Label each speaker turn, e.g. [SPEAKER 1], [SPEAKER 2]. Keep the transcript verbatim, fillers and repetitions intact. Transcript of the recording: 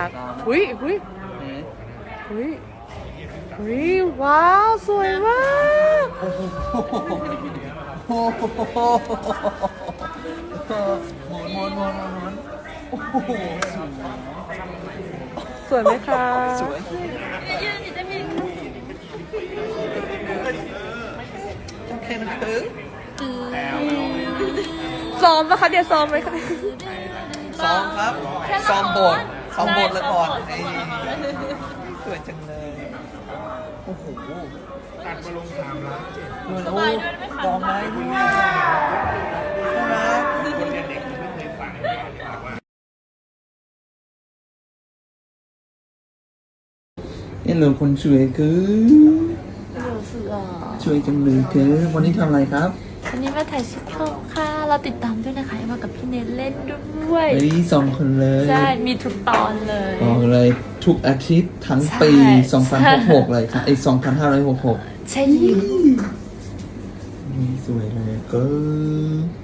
[SPEAKER 1] ากหุยหุยหุยหุยว้าวสวยมาก
[SPEAKER 2] โอ้โหหมุนหมุนหมุนหมุนโอ้โห
[SPEAKER 1] สวยไหมคะ
[SPEAKER 2] สวยโอเคนะคือ
[SPEAKER 1] ซ้อมปะคะเดี๋ยวซ้อมไหมคะ
[SPEAKER 2] ซ้อมครับซ้อมบทซ้อมบทละครไอ้สวยจังเลยโอ้โหตัดมาลงสามล้านเจ็ดสบายด้วยไหมคะลองไหมใช่ไหมคนเด็กๆไม่เคยฟังนี่เราคนช่วยคือช่วยจังเลยคือวันนี้ทำอะไรครับ
[SPEAKER 3] วันนี้มาถ่ายซิทคอมค่ะเราติดตามด้วยนะคะมากับพี่เนทเล่นด้วย
[SPEAKER 2] เฮ้ยสองคนเลย
[SPEAKER 3] ใช่มีทุกตอนเลย
[SPEAKER 2] บอกเลยทุกอาทิตย์ทั้งปีสองพันหกสิบหกเลยค่ะไอ้สองพันห้าร้อยหกสิบหก
[SPEAKER 3] ใช่ยิง
[SPEAKER 2] นี่สวยเลยก็